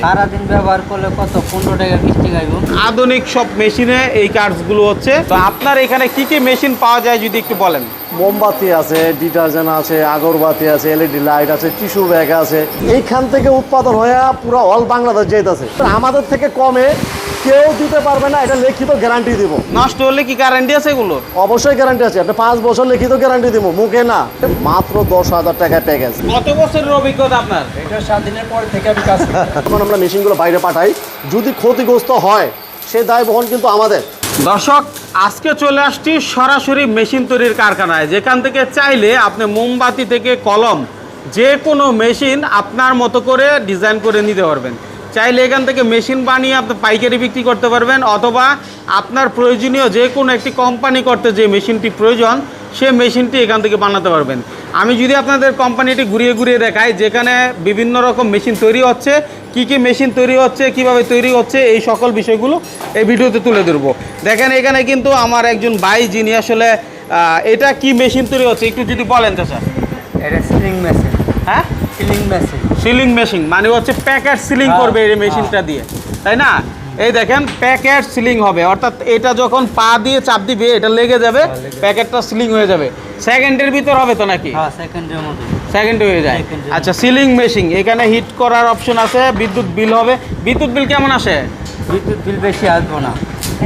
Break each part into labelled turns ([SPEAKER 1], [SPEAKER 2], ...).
[SPEAKER 1] সারা দিন ব্যবহার করলে কত 15 টাকা 20 টাকা আইব।
[SPEAKER 2] আধুনিক সব মেশিনে এই কার্ডসগুলো হচ্ছে। তো আপনার এখানে কি কি মেশিন পাওয়া যায় যদি একটু বলেন।
[SPEAKER 3] মোমবাতি আছে, ডিটারজেন্ট আছে, আগরবাতি আছে, এলইডি লাইট আছে, টিস্যু ব্যাগ আছে। এইখান থেকে উৎপাদন হয়ে পুরো অল বাংলাদেশ যেতেছে। আমাদের থেকে কমে কেউ দিতে পারবে না, এটা লিখিত গ্যারান্টি দিব।
[SPEAKER 2] নষ্ট হলে কি গ্যারান্টি আছে এগুলোর?
[SPEAKER 3] অবশ্যই গ্যারান্টি আছে, আপনি 5 বছর লিখিত গ্যারান্টি দিব, মুখে না। মাত্র 10,000 টাকা প্যাকেজ।
[SPEAKER 2] কত বছরের অভিজ্ঞতা আপনার?
[SPEAKER 1] এটা 7 দিনের পর থেকে আমি কাজ করি।
[SPEAKER 3] এখন আমরা মেশিনগুলো বাইরে পাঠাই, যদি ক্ষতিগ্রস্ত হয় সে দায় বহন কিন্তু আমাদের।
[SPEAKER 2] দর্শক, আজকে চলে আসছি সরাসরি মেশিন তৈরির কারখানায়, যেখান থেকে চাইলে আপনি মোমবাতি থেকে কলম যে কোনো মেশিন আপনার মতো করে ডিজাইন করে নিতে পারবেন। চাইলে এখান থেকে মেশিন বানিয়ে আপনি পাইকারি বিক্রি করতে পারবেন, অথবা আপনার প্রয়োজনীয় যে কোনো একটি কোম্পানি করতে যে মেশিনটি প্রয়োজন সে মেশিনটি এখান থেকে বানাতে পারবেন। আমি যদি আপনাদের কোম্পানিটি ঘুরিয়ে ঘুরিয়ে দেখাই, যেখানে বিভিন্ন রকম মেশিন তৈরি হচ্ছে, কি কি মেশিন তৈরি হচ্ছে, কিভাবে তৈরি হচ্ছে, এই সকল বিষয়গুলো এই ভিডিওতে তুলে ধরবো। দেখেন এখানে কিন্তু আমার একজন ভাই, যিনি আসলে এটা কি মেশিন তৈরি হচ্ছে একটু যদি বলেন তো স্যার।
[SPEAKER 1] এটা সিলিং মেশিন।
[SPEAKER 2] হ্যাঁ,
[SPEAKER 1] সিলিং মেশিন।
[SPEAKER 2] সিলিং মেশিন মানে হচ্ছে প্যাকেট সিলিং করবে এই মেশিনটা দিয়ে, তাই না? এই দেখেন প্যাকেট সিলিং হবে, অর্থাৎ এটা যখন পা দিয়ে চাপ দিবে এটা লেগে যাবে, প্যাকেটটা সিলিং হয়ে যাবে। সেকেন্ডের ভিতর হবে তো নাকি?
[SPEAKER 1] হ্যাঁ, সেকেন্ডের মধ্যে।
[SPEAKER 2] সেকেন্ডে হয়ে যায়।
[SPEAKER 1] সেকেন্ডে।
[SPEAKER 2] আচ্ছা, সিলিং মেশিন, এখানে হিট করার অপশন আছে, বিদ্যুৎ বিল হবে। বিদ্যুৎ বিল কেমন আসে?
[SPEAKER 1] বিদ্যুৎ বিল বেশি আসবে না।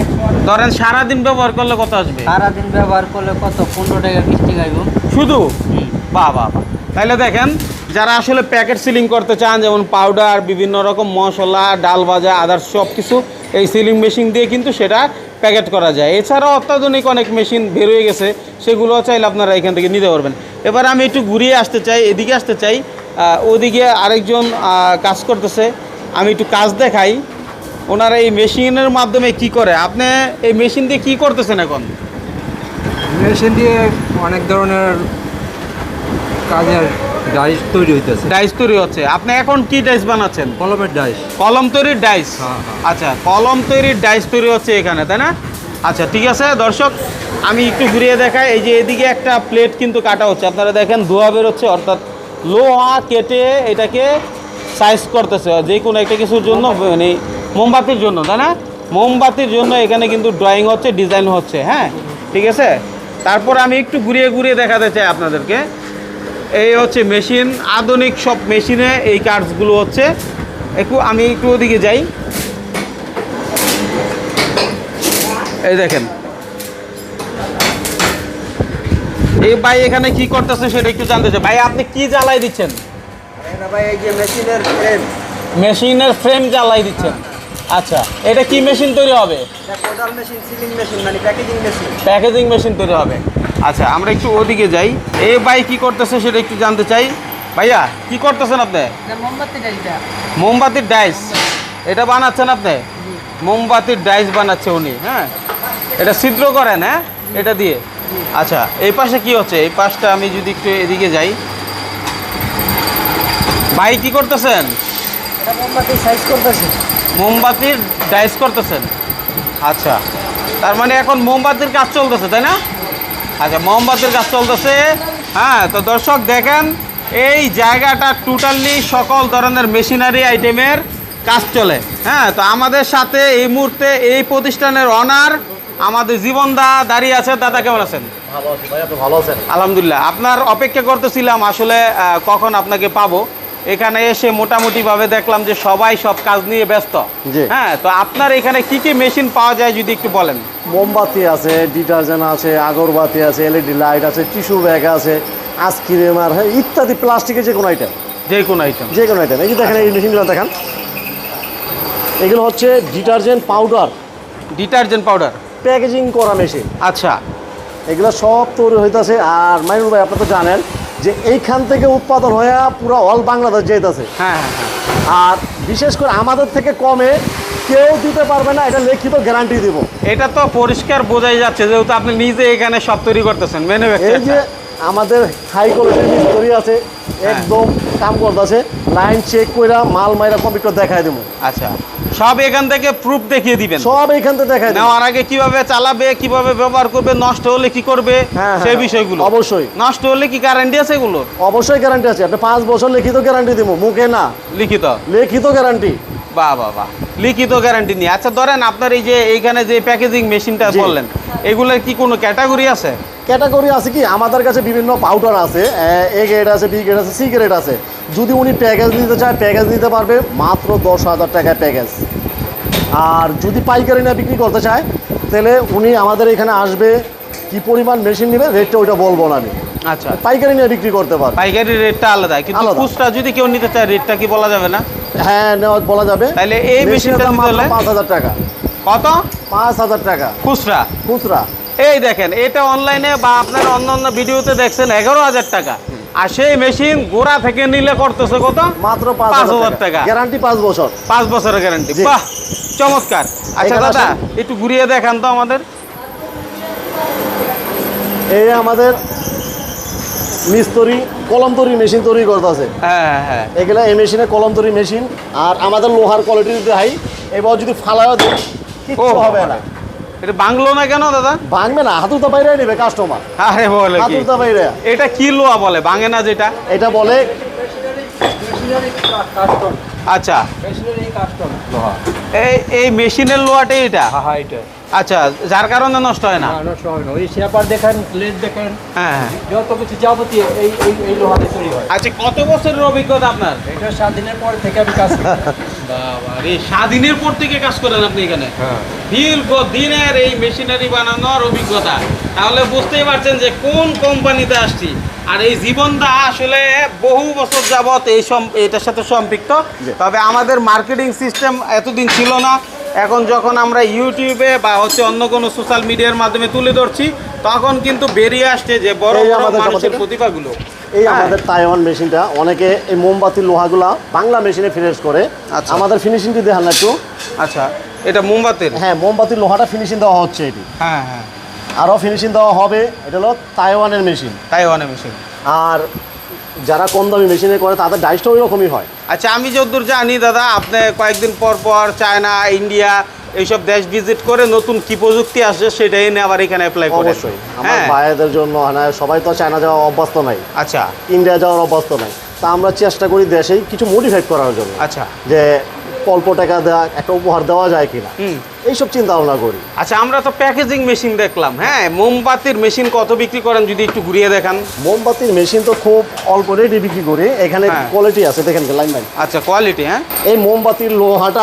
[SPEAKER 2] ধরেন সারাদিন ব্যবহার করলে কত আসবে?
[SPEAKER 1] সারা দিন ব্যবহার করলে কত 15 টাকা 20 টাকা আইব।
[SPEAKER 2] শুধু? বাহ বাহ বাহ। তাহলে দেখেন, যারা আসলে প্যাকেট সিলিং করতে চান, যেমন পাউডার, বিভিন্ন রকম মশলা, ডাল ভাজা, আদার্স সব কিছু এই সিলিং মেশিন দিয়ে কিন্তু সেটা প্যাকেট করা যায়। এছাড়াও অত্যাধুনিক অনেক মেশিন বের হয়ে গেছে, সেগুলো চাইলে আপনারা এখান থেকে নিতে পারবেন। এবার আমি একটু ঘুরিয়ে আসতে চাই, এদিকে আসতে চাই। ওদিকে আরেকজন কাজ করতেছে, আমি একটু কাজ দেখাই। ওনারা এই মেশিনের মাধ্যমে কি করে, আপনি এই মেশিন দিয়ে কি করতেছেন এখন?
[SPEAKER 4] মেশিন দিয়ে অনেক ধরনের কাজের ডাইস তৈরি হইতেছে।
[SPEAKER 2] ডাইস তৈরি হচ্ছে। আপনি এখন কি ডাইস বানাচ্ছেন?
[SPEAKER 4] কলমের ডাইস।
[SPEAKER 2] কলম তৈরির ডাইস?
[SPEAKER 4] হ্যাঁ।
[SPEAKER 2] আচ্ছা, কলম তৈরির ডাইস তৈরি হচ্ছে এখানে, তাই না? আচ্ছা, ঠিক আছে দর্শক, আমি একটু ঘুরিয়ে দেখাই। এই যে এদিকে একটা প্লেট কিন্তু কাটা হচ্ছে, আপনারা দেখেন ধোঁয়া বেরোচ্ছে, অর্থাৎ লোহা কেটে এটাকে সাইজ করতেছে যে কোনো একটা কিছুর জন্য, মানে মোমবাতির জন্য, তাই না? মোমবাতির জন্য এখানে কিন্তু ড্রয়িং হচ্ছে, ডিজাইন হচ্ছে। হ্যাঁ, ঠিক আছে। তারপর আমি একটু ঘুরিয়ে ঘুরিয়ে দেখাতে চাই আপনাদেরকে। এই হচ্ছে মেশিন, আধুনিক সব মেশিনে এই কার্ডসগুলো হচ্ছে। আমি একটু ওদিকে যাই। এই দেখেন এই ভাই এখানে কি করতেছে সেটা একটু জানতে চাই। ভাই, আপনি কি জ্বালাই দিচ্ছেন?
[SPEAKER 1] ভাই এই যে মেশিনের ফ্রেম।
[SPEAKER 2] মেশিনের ফ্রেম জ্বালাই দিচ্ছেন। আচ্ছা, এটা কি মেশিন তৈরি হবে?
[SPEAKER 1] কোডাল মেশিন, সিলিং মেশিন, মানে প্যাকেজিং মেশিন।
[SPEAKER 2] প্যাকেজিং মেশিন তৈরি হবে। আচ্ছা, আমরা একটু ওদিকে যাই। এই ভাই কি করতেছে সেটা একটু জানতে চাই। ভাইয়া, কি করতেছেন আপনি?
[SPEAKER 1] মোমবাতি ডাইসটা।
[SPEAKER 2] মোমবাতির ডাইস এটা বানাচ্ছেন আপনি? মোমবাতির ডাইস বানাচ্ছে উনি। হ্যাঁ, এটা ছিদ্র করেন? হ্যাঁ, এটা দিয়ে। আচ্ছা, এই পাশে কি হচ্ছে? এই পাশটা আমি যদি একটু এদিকে যাই। ভাই কি করতেছেন?
[SPEAKER 1] এটা মোমবাতি সাইজ করতেছে।
[SPEAKER 2] মোমবাতির ডাইস করতেছেন। আচ্ছা, তার মানে এখন মোমবাতির কাজ চলতেছে, তাই না? আচ্ছা, মোমবাতির কাজ চলতেছে। হ্যাঁ, তো দর্শক দেখেন, এই জায়গাটা টোটালি সকল ধরনের মেশিনারি আইটেমের কাজ চলে। হ্যাঁ, তো আমাদের সাথে এই মুহূর্তে এই প্রতিষ্ঠানের অনার আমাদের জীবন দা দাঁড়িয়ে আছে। দাদা, কেমন আছেন?
[SPEAKER 3] ভালো আছি ভাই, আপনি ভালো আছেন?
[SPEAKER 2] আলহামদুলিল্লাহ। আপনার অপেক্ষা করতেছিলাম আসলে কখন আপনাকে পাবো। এখানে এসে মোটামুটিভাবে দেখলাম যে সবাই সব কাজ নিয়ে ব্যস্ত।
[SPEAKER 3] জি।
[SPEAKER 2] হ্যাঁ, তো আপনার এখানে কি কি মেশিন পাওয়া যায় যদি একটু বলেন।
[SPEAKER 3] মোমবাতি আছে, ডিটারজেন্ট আছে, আগরবাতি আছে, এলইডি লাইট আছে, টিস্যু ব্যাগ আছে, আইসক্রিম আর ইত্যাদি প্লাস্টিকের যে কোনো আইটেম।
[SPEAKER 2] যে কোনো আইটেম?
[SPEAKER 3] যে কোনো আইটেম। এই যে দেখেন এই মেশিনগুলো দেখেন, এগুলো হচ্ছে detergent powder,
[SPEAKER 2] detergent powder
[SPEAKER 3] packaging করা মেশিন।
[SPEAKER 2] আচ্ছা,
[SPEAKER 3] এগুলো সব তৈরি হইতেছে। আর মাইনুল ভাই, আপনি তো জানেন যে এইখান থেকে উৎপাদন হয়ে পুরো অল বাংলাদেশ যেতেছে।
[SPEAKER 2] হ্যাঁ হ্যাঁ হ্যাঁ।
[SPEAKER 3] আর বিশেষ করে আমাদের থেকে কমে কেউ দিতে পারবে না, এটা লিখিত গ্যারান্টি দিব।
[SPEAKER 2] এটা তো পরিষ্কার বোঝাই যাচ্ছে, যেহেতু আপনি নিজে এখানে সব তৈরি করতেছেন।
[SPEAKER 3] এই যে আমাদের হাই কোয়ালিটির মিস্ত্রি আছে, একদম কাম করতেছে, লাইন চেক কইরা মাল মাইরা কম্পিউটার দেখায় দেবো।
[SPEAKER 2] আচ্ছা, সব এখান থেকে প্রুফ দেখিয়ে দিবেন?
[SPEAKER 3] সব এইখান থেকে দেখায় দেবো।
[SPEAKER 2] নেওয়ার আগে কিভাবে চালাবে, কিভাবে ব্যবহার করবে, নষ্ট হলে কি করবে, সেই বিষয়গুলো।
[SPEAKER 3] অবশ্যই।
[SPEAKER 2] নষ্ট হলে কি গ্যারান্টি আছে এগুলোর?
[SPEAKER 3] অবশ্যই গ্যারান্টি আছে, আপনি 5 বছর লিখিত গ্যারান্টি দিব, মুখে না,
[SPEAKER 2] লিখিত?
[SPEAKER 3] লিখিত গ্যারান্টি।
[SPEAKER 2] বাহ বাহ বাহ, লিখিত গ্যারান্টি নিয়ে। আচ্ছা ধরেন আপনার এই যে এইখানে যে প্যাকেজিং মেশিনটা
[SPEAKER 3] জি।
[SPEAKER 2] বললেন, এগুলোর কি কোনো ক্যাটাগরি আছে?
[SPEAKER 3] ক্যাটাগরি আছে কি, আমাদের কাছে বিভিন্ন পাউডার আছে, এ গ্রেড আছে, বি গ্রেড আছে, সি গ্রেড আছে। যদি উনি প্যাকেজ নিতে চায় প্যাকেজ নিতে পারবে মাত্র 10,000 টাকায় প্যাকেজ। আর যদি পাইকারি না বিক্রি করতে চায় তাহলে উনি আমাদের এখানে আসবে, কি পরিমাণ মেশিন নেবে রেটটা ওইটা বলবো না আমি।
[SPEAKER 2] আচ্ছা,
[SPEAKER 3] পাইকারি নিয়ে বিক্রি করতে পারবে।
[SPEAKER 2] পাইকারি রেটটা আলাদা, কিন্তু
[SPEAKER 3] আলাদা।
[SPEAKER 2] খুচরা যদি কেউ নিতে চায় রেটটা কি বলা যাবে না?
[SPEAKER 3] হ্যাঁ, নেওয়া বলা যাবে।
[SPEAKER 2] তাহলে এই মেশিনটা নিতে হলে
[SPEAKER 3] 5,000 টাকা।
[SPEAKER 2] কত?
[SPEAKER 3] 5,000 টাকা
[SPEAKER 2] খুচরা।
[SPEAKER 3] খুচরা।
[SPEAKER 2] এই দেখেন, এটা অনলাইনে বা আপনার অন্য ভিডিওতে দেখছেন 11,000 টাকা, আর সেই মেশিন গোড়া থেকে নিলে করতেছে কত?
[SPEAKER 3] মাত্র
[SPEAKER 2] 5,000
[SPEAKER 3] 5,000
[SPEAKER 2] টাকা।
[SPEAKER 3] গ্যারান্টি 5 বছর।
[SPEAKER 2] 5 বছরের গ্যারান্টি।
[SPEAKER 3] জি।
[SPEAKER 2] বাহ, চমৎকার। আচ্ছা
[SPEAKER 3] এখানে
[SPEAKER 2] দাদা,
[SPEAKER 3] আসেন।
[SPEAKER 2] একটু ঘুরিয়ে দেখান তো আমাদের।
[SPEAKER 3] এই আমাদের মিস্ত্রি কলম তৈরি মেশিন তৈরি করতেছে।
[SPEAKER 2] হ্যাঁ হ্যাঁ,
[SPEAKER 3] এগুলা এই মেশিনে কলম তৈরি মেশিন। আর আমাদের লোহার কোয়ালিটি যদি হাই, এবার যদি ফালায়ও দিই কিচ্ছু হবে না।
[SPEAKER 2] এটা বাংলো না কেন দাদা?
[SPEAKER 3] ভাঙবে না, হাতুড়া বাইরে নেবে কাস্টমার।
[SPEAKER 2] আরে বলে কি,
[SPEAKER 3] হাতুড়া বাইরে।
[SPEAKER 2] এটা কি লোহা বলে, ভাঙে না যেটা?
[SPEAKER 3] এটা বলে
[SPEAKER 4] কাস্টম,
[SPEAKER 2] আচ্ছা,
[SPEAKER 4] মেশিনারি কাস্টম লোহা।
[SPEAKER 2] এই মেশিনের লোহাটাই এটা?
[SPEAKER 4] হ্যাঁ, এটা
[SPEAKER 2] আচ্ছা, যার কারণে নষ্ট হয় না?
[SPEAKER 4] না, নষ্ট হবে না। ওই শেপার দেখেন, প্লেট দেখেন,
[SPEAKER 2] হ্যাঁ হ্যাঁ।
[SPEAKER 4] যত কিছু যাবতীয় এই লোহাতে তৈরি হয়।
[SPEAKER 2] আচ্ছা, কত বছরের অভিজ্ঞতা আপনার?
[SPEAKER 4] এটা 7 দিনের পর থেকে আমি কাজ করি।
[SPEAKER 2] বাবা রে, স্বাধীনের পর থেকে কাজ করেন আপনি এখানে?
[SPEAKER 4] হ্যাঁ।
[SPEAKER 2] দীর্ঘ দিনের এই মেশিনারি বানানোর অভিজ্ঞতা, তাহলে বুঝতেই পারছেন যে কোন কোম্পানিতে আসছি। আর এই জীবনটা আসলে বহু বছর যাবত এটার সাথে সম্পৃক্ত। তবে আমাদের মার্কেটিং সিস্টেম এতদিন ছিল না। এখন যখন আমরা ইউটিউবে বা অন্য কোনো সোশ্যাল মিডিয়ার মাধ্যমে তুলে ধরছি, তখন কিন্তু বেরিয়ে আসছে যে বড়
[SPEAKER 3] এই
[SPEAKER 2] বড়
[SPEAKER 3] আমাদের
[SPEAKER 2] মানুষের
[SPEAKER 3] আমাদের-
[SPEAKER 2] প্রতিভাগুলো।
[SPEAKER 3] এই
[SPEAKER 2] হ্যাঁ।
[SPEAKER 3] আমাদের তাইওয়ান মেশিনটা অনেকে এই মোমবাতির লোহাগুলা বাংলা মেশিনে ফিনিশ করে।
[SPEAKER 2] আচ্ছা।
[SPEAKER 3] আমাদের ফিনিশিংটি দেখান না একটু।
[SPEAKER 2] আচ্ছা, এটা মোমবাতির?
[SPEAKER 3] হ্যাঁ, মোমবাতির লোহাটা ফিনিশিং দেওয়া হচ্ছে এটি।
[SPEAKER 2] হ্যাঁ হ্যাঁ,
[SPEAKER 3] আরও ফিনিশিং দেওয়া হবে। এটা হলো তাইওয়ানের মেশিন।
[SPEAKER 2] তাইওয়ানে মেশিন।
[SPEAKER 3] আর যারা কম দামি মেশিনে করে তাদের ডাইসটা ওই রকমই হয়।
[SPEAKER 2] আচ্ছা, আমি যতদূর জানি দাদা, আপনি কয়েকদিন পর পর চায়না, ইন্ডিয়া এইসব দেশ ভিজিট করে নতুন কি প্রযুক্তি আসে সেটা এনে আবার এখানে অ্যাপ্লাই করেন।
[SPEAKER 3] অবশ্যই আমার
[SPEAKER 2] হ্যাঁ।
[SPEAKER 3] ভাইদের জন্য হ্যাঁ, সবাই তো চায়না যাওয়া অভ্যস্ত নাই,
[SPEAKER 2] আচ্ছা
[SPEAKER 3] ইন্ডিয়া যাওয়ার অভ্যস্ত নাই। তা আমরা চেষ্টা করি দেশেই কিছু মডিফাই করার জন্য,
[SPEAKER 2] আচ্ছা।
[SPEAKER 3] যে অল্প টাকা দেওয়া একটা উপহার দেওয়া যায় কিনা,
[SPEAKER 2] হুম।
[SPEAKER 3] এইসব চিন্তা ভাবনা করি।
[SPEAKER 2] আচ্ছা, আমরা তো প্যাকেজিং মেশিন দেখলাম, হ্যাঁ, মোমবাতির মেশিন কত বিক্রি করেন যদি একটু ঘুরিয়ে দেখান।
[SPEAKER 3] মোমবাতির মেশিন তো খুব অল্প রেটে বিক্রি করি। এখানে
[SPEAKER 2] হ্যাঁ।
[SPEAKER 3] কোয়ালিটি আছে, দেখেন লাইন লাইন।
[SPEAKER 2] আচ্ছা, কোয়ালিটি। হ্যাঁ,
[SPEAKER 3] এই মোমবাতির লোহাটা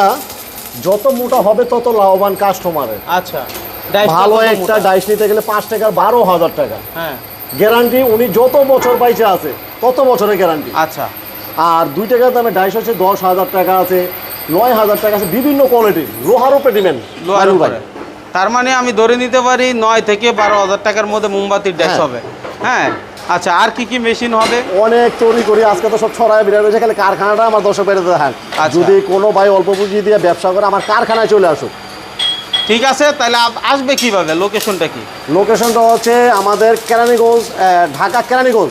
[SPEAKER 3] যত মোটা হবে তত লাভবান কাস্টমারের।
[SPEAKER 2] আচ্ছা। ডাইস
[SPEAKER 3] ভালো
[SPEAKER 2] কত
[SPEAKER 3] একটা
[SPEAKER 2] মোটা?
[SPEAKER 3] ডাইস নিতে গেলে 5 টাকার 12,000 টাকা
[SPEAKER 2] হ্যাঁ,
[SPEAKER 3] গ্যারান্টি। উনি যত বছর বাইচে আছে তত বছরের গ্যারান্টি।
[SPEAKER 2] আচ্ছা।
[SPEAKER 3] আর 2 টাকার দামে ডাইস হচ্ছে 10,000 টাকা আছে, 9,000 টাকা আছে, বিভিন্ন কোয়ালিটির লোহার উপরে ডিমেন্ড।
[SPEAKER 2] লোহার উপরে। তার মানে আমি ধরে নিতে পারি 9 থেকে 12,000 টাকার মধ্যে মোমবাতির ড্যাশ
[SPEAKER 3] হ্যাঁ।
[SPEAKER 2] হবে। হ্যাঁ, আচ্ছা, আর কি কি মেশিন হবে?
[SPEAKER 3] অনেক তৈরি করি, আজকে তো সব ছড়ায় বিরাট হয়েছে। খালি কারখানাটা আমার দর্শক বেড়ে দেখান।
[SPEAKER 2] আচ্ছা।
[SPEAKER 3] যদি কোনো ভাই অল্প পুঁজি দিয়ে ব্যবসা করে আমার কারখানায় চলে আসুক।
[SPEAKER 2] ঠিক আছে, তাহলে আসবে কিভাবে, লোকেশনটা কি?
[SPEAKER 3] লোকেশনটা হচ্ছে আমাদের কেরানীগঞ্জ, ঢাকা কেরানীগঞ্জ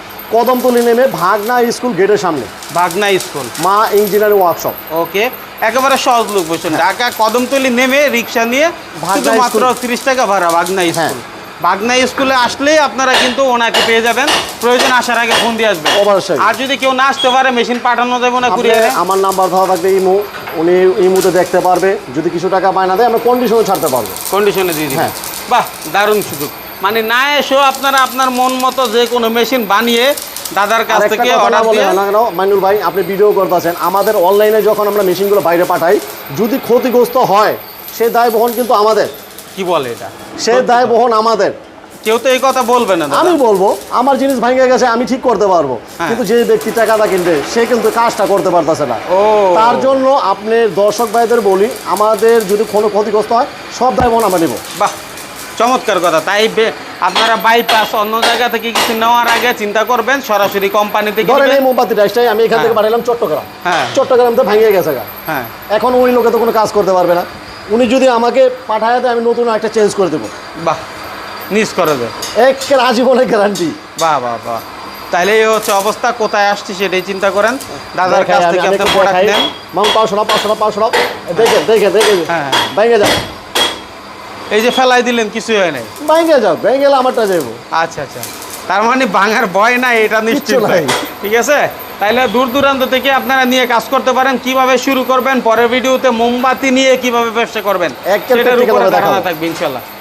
[SPEAKER 3] কদমতলি নেমে ভাগনা স্কুল গেটের সামনে,
[SPEAKER 2] বাগনা স্কুল,
[SPEAKER 3] মা ইঞ্জিনিয়ারিং ওয়ার্কশপ।
[SPEAKER 2] ওকে, একেবারে সহজ লোকেশন। ঢাকা কদমতলি নেমে রিক্সা নিয়ে
[SPEAKER 3] ভাগনা
[SPEAKER 2] শুধুমাত্র
[SPEAKER 3] স্কুল।
[SPEAKER 2] 30 টাকা ভাড়া, বাগনা
[SPEAKER 3] হ্যাঁ।
[SPEAKER 2] স্কুল। বাগনা স্কুলে আসলেই আপনারা কিন্তু ওনাকে পেয়ে যাবেন। প্রয়োজন আসার আগে ফোন দিয়ে আসবেন।
[SPEAKER 3] অবশ্যই।
[SPEAKER 2] আর যদি কেউ না আসতে পারে, মেশিন পাঠানো যাবে না
[SPEAKER 3] আপনি
[SPEAKER 2] কুরিয়ারে?
[SPEAKER 3] আমার নাম্বার দেওয়া থাকবে ইমো, উনি ইমোতে দেখতে পারবে। যদি কিছু টাকা বায়না দেয় আমরা কন্ডিশনে ছাড়তে পারবো।
[SPEAKER 2] কন্ডিশনে দিয়ে দিবেন।
[SPEAKER 3] হ্যাঁ।
[SPEAKER 2] বাহ, দারুণ সুযোগ। মানে না এসেও আপনারা আপনার মন মতো যে কোনো মেশিন বানিয়ে দাদার কাছ
[SPEAKER 3] আরেকটা
[SPEAKER 2] থেকে
[SPEAKER 3] কথা না
[SPEAKER 2] অর্ডার
[SPEAKER 3] বলে
[SPEAKER 2] দিয়ে।
[SPEAKER 3] না কেন মাইনুল ভাই, আপনি ভিডিও করতেছেন, আমাদের অনলাইনে যখন আমরা মেশিনগুলো বাইরে পাঠাই, যদি ক্ষতিগ্রস্ত হয় সে দায় বহন কিন্তু আমাদের।
[SPEAKER 2] কি বলে এটা?
[SPEAKER 3] সে দায় বহন আমাদের।
[SPEAKER 2] কেউ তো এই কথা বলবে না দাদা।
[SPEAKER 3] আমি বলবো আমার জিনিস ভেঙে গেছে আমি ঠিক করতে পারবো,
[SPEAKER 2] হ্যাঁ।
[SPEAKER 3] কিন্তু যে ব্যক্তি টাকাটা কিনবে সে কিন্তু কাজটা করতে পারতেছে না।
[SPEAKER 2] ও।
[SPEAKER 3] তার জন্য আপনি দর্শক ভাইদের বলি, আমাদের যদি কোনো ক্ষতিগ্রস্ত হয় সব দায় বহন আমরা নেব।
[SPEAKER 2] বাহ, চমৎকার কথা। তাই আপনারা বাইপাস অন্য জায়গা থেকে কিছু নেওয়ার আগে চিন্তা করবেন সরাসরি কোম্পানি থেকে
[SPEAKER 3] ধরেন এই
[SPEAKER 2] নেবেন।
[SPEAKER 3] মোমবাতি ডাইসটাই আমি এখান থেকে
[SPEAKER 2] হ্যাঁ।
[SPEAKER 3] পাঠালাম চট্টগ্রাম।
[SPEAKER 2] হ্যাঁ।
[SPEAKER 3] চট্টগ্রাম তো ভেঙে গেছে গা।
[SPEAKER 2] হ্যাঁ,
[SPEAKER 3] এখন ওই লোকে তো কোনো কাজ করতে পারবে না। উনি যদি আমাকে পাঠায় দেয় আমি নতুন একটা চেঞ্জ করে দেবো,
[SPEAKER 2] বাহ, নিজ করে দেয়।
[SPEAKER 3] একের আজীবনের গ্যারান্টি।
[SPEAKER 2] বাহ বাহ বাহ, তাহলে এই হচ্ছে অবস্থা। কোথায় আসছি সেটাই চিন্তা করেন। দাদার কাছ থেকে আপনি প্রোডাক্ট নেন।
[SPEAKER 3] মাউন্ট 500 দেখে দেখে দেখে
[SPEAKER 2] হ্যাঁ, হ্যাঁ।
[SPEAKER 3] ভেঙে যাও,
[SPEAKER 2] এই যে ফেলাই দিলেন, কিছুই হয় নাই।
[SPEAKER 3] ভেঙে যাও, ভেঙে গেলে আমারটা যাবো।
[SPEAKER 2] আচ্ছা আচ্ছা, তার মানে ভাঙার ভয় নাই, এটা নিশ্চিত
[SPEAKER 3] কিচ্ছু নাই।
[SPEAKER 2] ঠিক আছে। তাইলে দূর দূরান্ত থেকে আপনারা নিয়ে কাজ করতে পারেন। কিভাবে শুরু করবেন, পরের ভিডিওতে মোমবাতি নিয়ে কিভাবে ব্যবসা করবেন
[SPEAKER 3] একের
[SPEAKER 2] সেটার
[SPEAKER 3] practical
[SPEAKER 2] উপরে
[SPEAKER 3] ভাবে
[SPEAKER 2] ধারণা
[SPEAKER 3] দেখাবো।
[SPEAKER 2] থাকবে ইনশাল্লাহ।